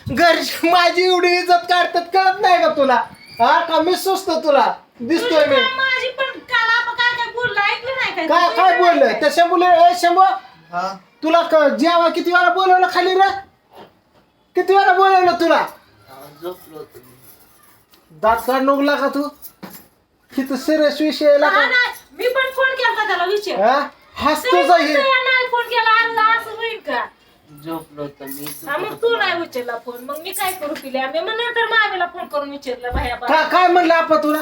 घरची माझी एवढी इज्जत काढतात कळत नाही का तुला? हा का मी सुचतो तुला दिसतोय मी? माझी पण काल आपण काय काय बोललो ऐकलं नाही काय काय बोललं त्या शंभूला? ए शंभू हा तुला जेव्हा किती वेळा बोलवलं खाली रे? किती वेळा बोलवलं तुला? झोपलो होतो मी. दात काढ नुकला का तू? किती सिरियस विषय आहे का? मी पण फोन केला त्याला विचार हा हसतोच आहे. नाही फोन केला अर्धा असं होईल का? झोपलो होतो मी. हा, मग तू नाही उचलला फोन मग मी काय करू पिल्या मी मग नंतर मामीला फोन करून विचारलं भैया काय म्हणलं आपण तुला?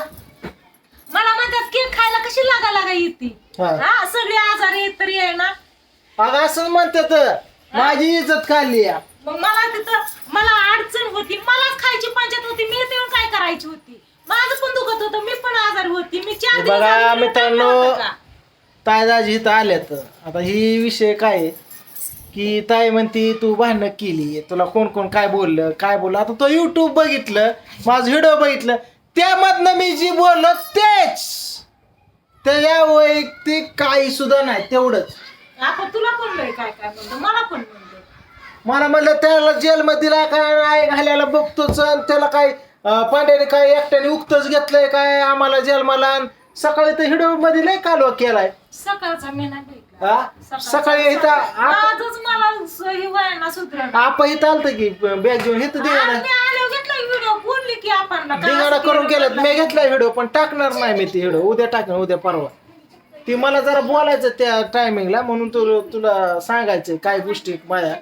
मला म्हणतात केक खायला कशी लागा येते हा. हा सगळे आजार येत तरी आहे ना अगं असं म्हणतात माझी इज्जत काढली या. मग मला तिथं मला अडचण होती मलाच खायची पंचायत होती मी येऊन काय करायची होती माझं पण दुखत होतं मी पण आजारी होती मी 4 दिवस बघा आजारी मित्रांनो, राहिलो होतं का? ताई दाजी इथं आल्यात. आता ही विषय काय आहे की ताई म्हणती तू भांडणं केली, तुला कोण कोण काय बोललं. आता तो युट्यूब बघितलं, माझं व्हिडिओ बघितलं, त्यामधनं मी जी बोललो तेच, त्याच्या वैयक्तिक काही सुद्धा नाही. तेवढंच आपण तुला पण लय काय काय म्हणतो मला पण म्हणतो मला म्हणलं त्याला जेलमध्ये दिला काय नाही घालायला बघतोच, आणि त्याला काय पांड्याने काय एकट्याने उक्तच घेतलंय काय आम्हाला जेलमाला. सकाळी तर व्हिडिओ मध्ये लय कालवा केलाय. सकाळचा मी नाही भेटला हा? सकाळी इथं आजच मला सही व्हायला सुधरण आपण इथं आलतं की बॅग घेऊन इथं मी दिगाडा आले घेतला व्हिडिओ बोलली की आपण करून केलं. मी घेतलाय व्हिडिओ पण टाकणार नाही मी ती व्हिडिओ. उद्या टाकणार, उद्या परवा. ती मला जरा बोलायचं त्या टायमिंगला म्हणून तुला सांगायचं काय गोष्टी माझ्या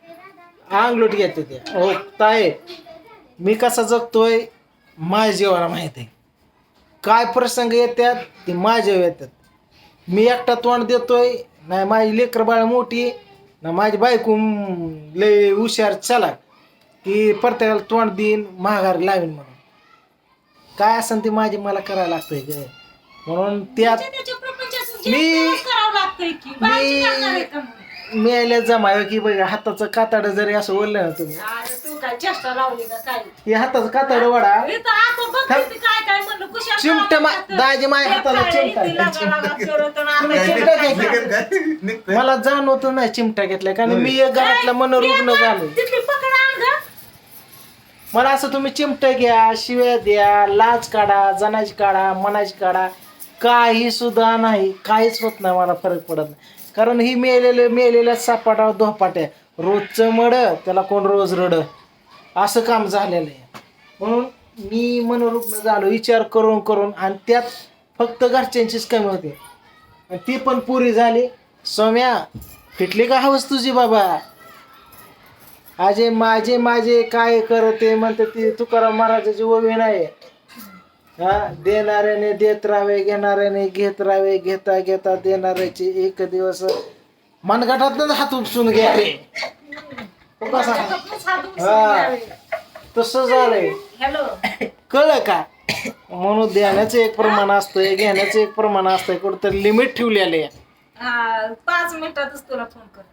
अंगलोट घेते त्या. हो ताई मी कसा जगतोय माझ्या जीवाला माहित आहे. काय प्रसंग येतात ते माझ्या येतात. मी एकटा तोंड देतोय नाही, माझी लेकर बाळ मोठी ना, माझी बायको लय हुशार चला की प्रत्येकाला तोंड देईन माघारी लावीन म्हणून. काय असेल ते माझी मला करायला लागतंय ग. म्हणून त्यात मी यायला जमाय की बघा हाताचं कातड जरी असं बोललं ना तुम्ही, तू काय चेष्टा लावली का काय हे हाताचं कातड वडा इथं आपण बघते काय काय म्हणलं कुशाल चिमटे दाजी माझ्या हाताला चिमटा चिमटा घेतला. मला जाणवत नाही चिमटा घेतलाय कारण मी एक घरातला मनोरुग्ण झालो. मला असं तुम्ही चिमटा घ्या, शिव्या द्या, लाज काढा, जनाची काढा, मनाची काढा, काही सुद्धा नाही, काहीच होत नाही. मला फरक पडत नाही कारण ही मेलेल्या सापाटा धोपाट्या रोजचं मड त्याला कोण रोज रड असं काम झालेलं आहे. म्हणून मी मनोरुग्ण झालो विचार करून करून, आणि त्यात फक्त घरच्यांचीच कमी होते आणि ती पण पुरी झाली. सौम्या फिटली का हवस तुझी बाबा? आजे माझे काय करते म्हणते ती तुकाराम महाराजाची ओवी नाही. हा, देणाऱ्याने देत राहावे, घेणाऱ्याने घेत राहावे, घेता घेता देणाऱ्याचे एक दिवस मनगटात हात उपसून घ्या रे. हा तसं झालंय. हॅलो कळलं का? म्हणून देण्याचं एक प्रमाण असतंय, घेण्याचं एक प्रमाण असतंय, कुठंतरी लिमिट ठेवलेलं आहे. 5 मिनिटातच तुला फोन करते.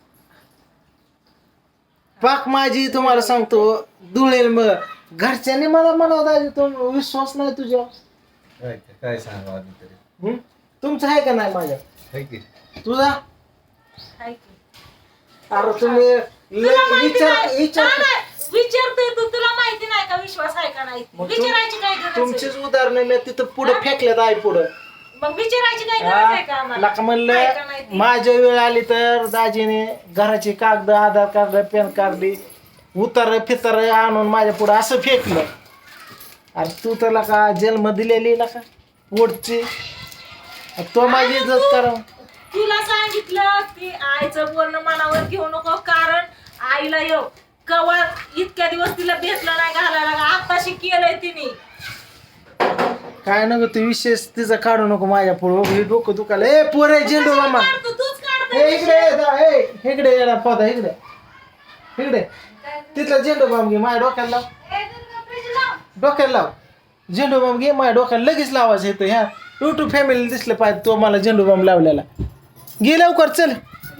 पाक माझी तुम्हाला सांगतो धुळेल. मग घरच्यांनी मला म्हणावं तो विश्वास नाही तुझ्या. काय सांगा तरी तुमचं आहे का नाही माझ्या? तुझा? हाय की. अरे तुम्ही विचारतोय तू तुला माहिती नाही का विश्वास आहे का नाही विचारायची काय गरज आहे? तुमचीच उदाहरण मी तिथं पुढे फेकल्यात आई पुढं. मग विचारायची काय गरज आहे का आम्हाला? लका म्हणलं माझ्या वेळ आली तर दाजीने घराची कागद, आधार कार्ड, पॅन कार्ड, उतार फितार आणून माझ्या पुढं असं फेकलं. अरे तू तर लका जन्म दिलेली नका पोटची, तो माझी इज्जत करा. तुला सांगितलं की आईचं बोलणं मनावर घेऊ नको कारण आईला येऊ कवा इतक्या दिवस तिला भेटलं नाही घालायला आताशी केलंय तिने. काय नको तू विशेष तिचं काढू नको माझ्या पुढं. हे डोकं दुखायला. ए पोरे झेंडू मामा तूच काढतोय. ए इकडे येडा पदा इकडे तिथला झेंडू बाम घे माझ्या डोक्याला लाव. झेंडू बाम घे माझ्या डोक्याला लगेच लावायचं येतं. ह्या युट्यूब फॅमिली दिसलं पाहिजे तो मला झेंडू बाम लावलेला. घे लवकर चल.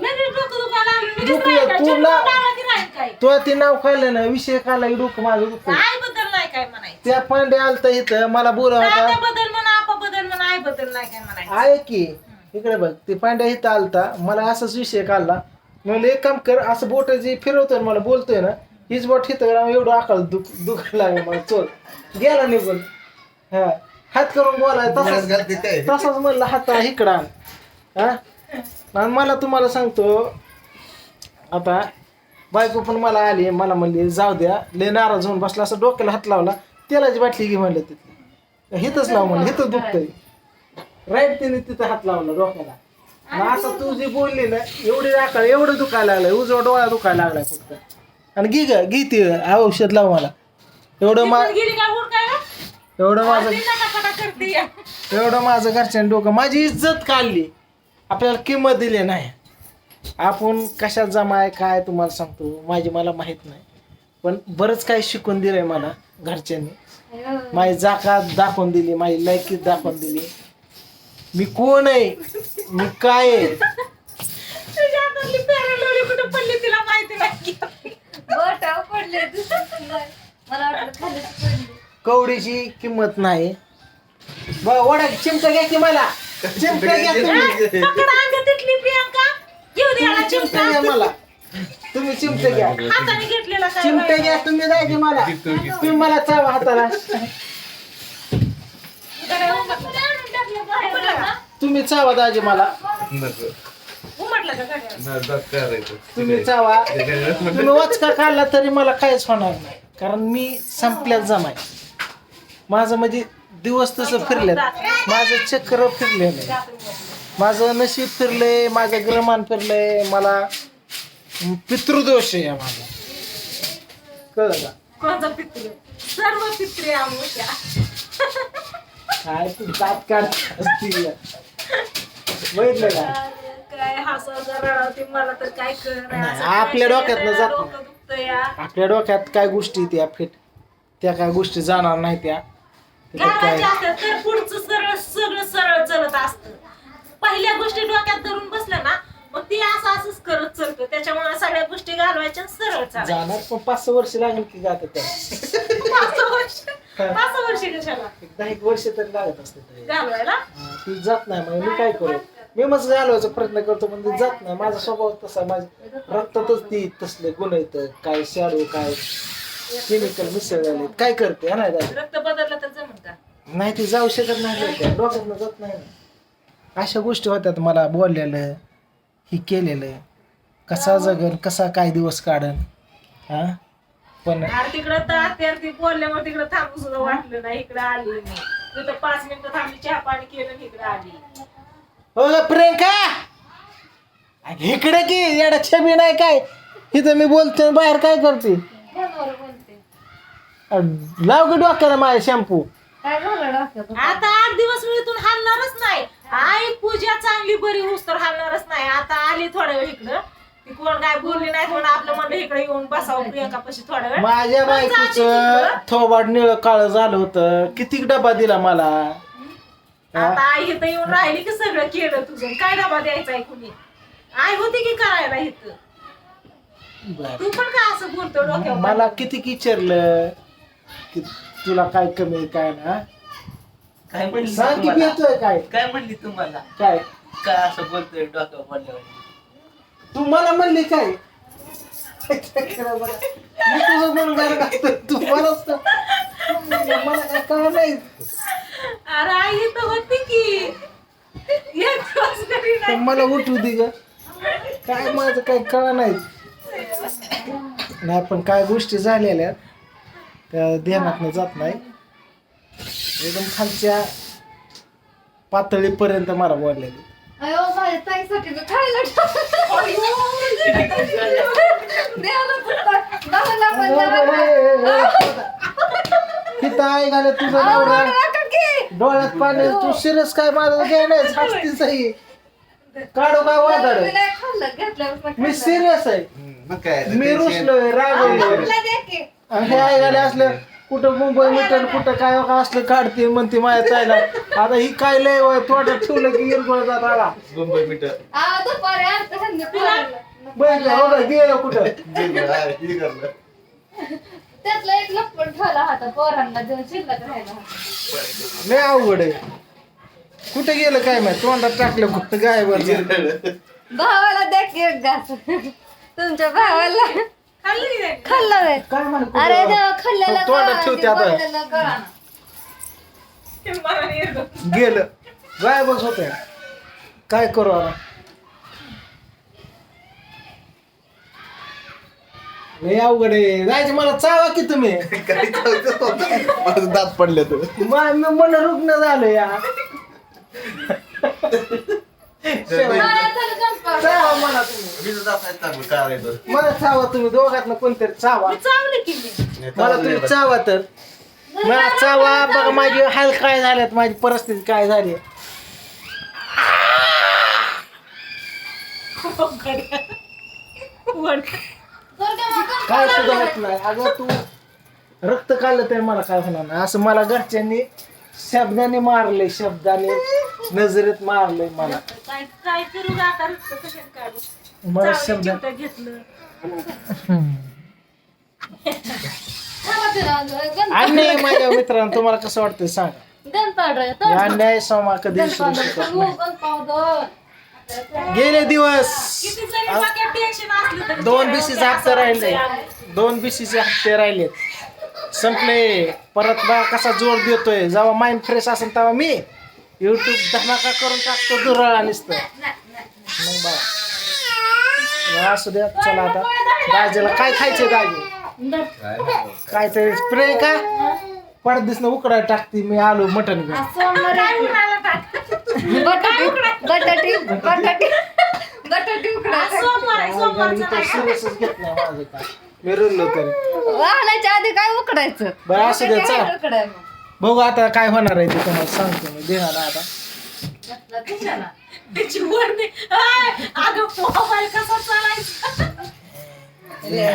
तो ते नाव खाल्लं ना विषय काढला डोकं माझं दुखतं. आई बद्दल नाही काय म्हणायचं. त्या पांडे आलता इथं मला बोलव होता. बद्दल म्हणा आपा बद्दल म्हणा आई बद्दल नाही काय म्हणायचं. आहे की इकडे बघ ते पांड्या इथं आलता मला असाच विषय काढला. म्हणलं एक काम कर असं बोट जे फिरवतोय मला बोलतोय ना हीच बोट हिथं एवढं आकाळ दुखायला लागलं मला चोर गेला निघून. हा हात करून बोलाय तसाच म्हणलं हात इकडं आण. हा आणि मला तुम्हाला सांगतो आता बायको पण मला आली मला म्हणली जाऊ द्या लय नाराज होऊन बसला असं डोक्याला हात लावला तेलाची बाटली घे म्हणलं तिथे हिथंच लाव म्हणलं हिथं दुखतंय राईट तिने तिथं हात लावला डोक्याला. आणि आता तू जी बोलली ना एवढी राखाळ एवढं दुखायला लागलंय उजवा डोळा दुखायला लागलाय फक्त. आणि घे ती औषध लाव मला एवढं गेली का हुडकायला? एवढं माझं ती नटापटा करते या. एवढं माझं घरच्यानं डोकं माझी इज्जत काढली आपल्याला किंमत दिली नाही. आपण कशात जमा आहे काय तुम्हाला सांगतो माझी मला माहीत नाही पण बरंच काही शिकून दिलंय मला घरच्यांनी. माझी जाकात दाखवून दिली माझी लायकीत दाखवून दिली मी कोण आहे मी काय आहे. तुझ्या हातातली पॅरालोरी कुठं पडली तिला माहिती नाही. बोटावर पडले मला वाटलं खाली पडली. कवडीची किंमत नाही वडा चिमटा घ्या की मला चिमटा घ्या तुम्ही पकड अंग तिथली प्रियांका घेऊ दे याला चिमटा चिमटा. घ्या मला तुम्ही चिमटे घ्या हाताने घेतलेला काय चिमटे घ्या तुम्ही द्या की मला तुम्ही मला चावा हाताला तुम्ही चावा दाजी मला उमटला का गाड्या? तुम्ही चावा तुम्ही वचका काढला तरी मला काहीच होणार नाही कारण मी संपल्यात जमाय माझं म्हणजे दिवस तसं फिरले माझं चक्र फिरले नाही माझं नशीब फिरलंय माझं ग्रहमान फिरलंय मला पितृदोष आहे माझा कळलं का. कोणचा पित्रे सर्व पित्रे आमुष्या. काय तू दात काढत असतील बघितलं का काय हसायचं रडावती मला तर काय नाही, आपल्या डोक्यातनं जात नाही. डोकं दुखतं या. आपल्या डोक्यात काय गोष्टी त्या फिट त्या काय गोष्टी जाणार नाही त्या त्याच्यात काय घालायच्या असतात तर पुढचं सरळ सगळं सरळ चलत असतं. पहिल्या गोष्टी डोक्यात धरून बसल्या ना मग ती असंच करत चालतं त्याच्यामुळे सगळ्या गोष्टी घालवायच्या आणि सरळ चालायचं. जाणार पण 5-6 वर्ष लागेल की जात त्या 5 वर्ष कशाला 10 वर्ष तरी लागत असते घालवायला. ती जात नाही मग मी काय करू मी मग घालवायचा प्रयत्न करतो पण ती जात नाही माझा स्वभाव तसा माझ्या रक्तातच ती तसले गुण येतं काय शाडू काय केमिकल मिसळलेले काय करते नाही दादा रक्त बदललं तर जमन का? नाही ती जाऊ शकत नाही डोक्यातनं जात नाही अशा गोष्टी होत्यात मला बोललेलं ही केलेलं कसा जगन कसा काय दिवस काढन हा पण अरे तिकडं तर ती बोलल्यामुळे तिकडं थांबू सुद्धा वाटलं नाही. इकडं आली मी तिथं 5 मिनिटं थांबली चहा पाणी केलं आणि इकडं आली. हो प्रियंका इकडे की येडा छबी नाही काय इथं मी बोलते बाहेर काय करते फोनवर बोलते. लाव की डोक्याला माझ्या शॅम्पू काय झालं डोक्यात? आता 8 दिवस मी इथून हलणारच नाही. आई पूजा चांगली बरी होस तर हलणारच नाही. आता आली थोड्या वेळ इकडं ती कोण काय बोलली नाही म्हणून आपलं म्हणलं इकडे येऊन बसावं प्रियंका पाशी थोड्या वेळ. माझ्या बायकोचं थोबाड निळ काळ झालं होतं किती डबा दिला मला आता आई इथं येऊन राहिली की सगळं केलं तुझं काय डबा द्यायचा आहे कुणी आई होती की करायला इथं. तू पण काय असं बोलतो डोक्यावर? मला किती विचारलं की तुला काय कमी आहे, काय ना काय म्हणली सांग की तुम्हाला? भेटतोय काय काय म्हणली तुम्हाला काय काय असं बोलतोय डोक्यावर पडल्यावर तू मला म्हणली काय मी तुझं म्हणून काय करतो तू मलाच मला काय कळलं नाही अरे आई इथं होती की एक दिवस घरी तर नाही. मला उठू दे ग काय माझं काय कळलं नाही नाही पण काय गोष्टी झालेल्या त्या ध्यानात जात नाही एकदम खालच्या पातळीपर्यंत मला बोललेली अयो माझ्या ताईसाठी मी खायला तिथं आई घाले तुझं डोळ्यात पाणी तू सिरियस काय माझं घ्याय नाही हसतीच आहे काढू काय वादळ मी सिरियस आहे मी रुसलोय रागवलोय आणि हे आई घाले असलं कुठं मुंबई मिटन कुठं काय असलं काढते म्हणते माझ्या ताईला आता ही काय लय तोंडात ठेवलं की इरगोळ जात आला मुंबई मीटर बघितलं हो का गेलं कुठं त्यातला एक लपड ठेवला होता पोरांना देऊन शिल्लक राहिला. लय अवघड आहे कुठे गेलं काय माहिती तोंडात टाकलं कुठं गायवर भावाला द्या की एक घास तुमच्या भावाला खाल्लं की नाही? खाल्लं व्हय. काय म्हणतो अरे खाल्लेलं तोंडात ठेवते आता. कळा ते मला नाही येत. गेलं गायबच होते. काय करू आता लय अवघड आहे. जायचं मला चावा की तुम्ही माझं दात पडले तर मी मन रुग्ण झालं या चावा मला तुम्ही मी दात आहेत चांगलं करायचं मला चावा तुम्ही दोघातनं कोणतरी चावा मी चावली की मी. मला तुम्ही चावा तर मला चावा बघा माझी हाल काय झाल्यात माझी परिस्थिती काय झाली वड. काय सुद्धा होत नाही अगं तू रक्त काढलं तर मला काय होणार नाही असं मला घरच्यांनी शब्दाने मारले शब्दाने नजरेत मारले मला काय काय करू ग आता रक्त कशाने काढू? मला चावली, शब्द चिमटं घेतलं. अन्याय माझ्या मित्रांनो तुम्हाला कसं वाटतंय सांगा गन पावडर या अन्याय सोमा कधी विसरू शकत नाही. गेले दिवस किती जरी डोक्यात टेन्शन असलं तरी 2 BCचे हप्ते राहिले 2 BCचे हप्ते राहिलेत संपले परत बा कसा जोर देतोय जेव्हा माइंड फ्रेश असेल तेव्हा मी युट्यूब धमाका करून टाकतो दुरळा नुसतं मग बा असू द्या चला आता दाजीला काय खायचे दाजी काय तरी स्प्रे का पडदिसनं उकडाय टाकते मी आलो मटन घेऊन काय उन्हाला टाक. बटाटी उकडा सोमवार आहे, सोमवारचं इथं नाही. सिरियसच घेत नाही माझं काय मी रुळलो तरी वाहनाच्या आधी काय उकडायचं बरं असू द्या चला उकडाय बघू आता काय होणार आहे ते तुम्हाला सांगतो मी देणार आता त्याची वडणी. आय, अगं मोबाईल कसा चालायचा?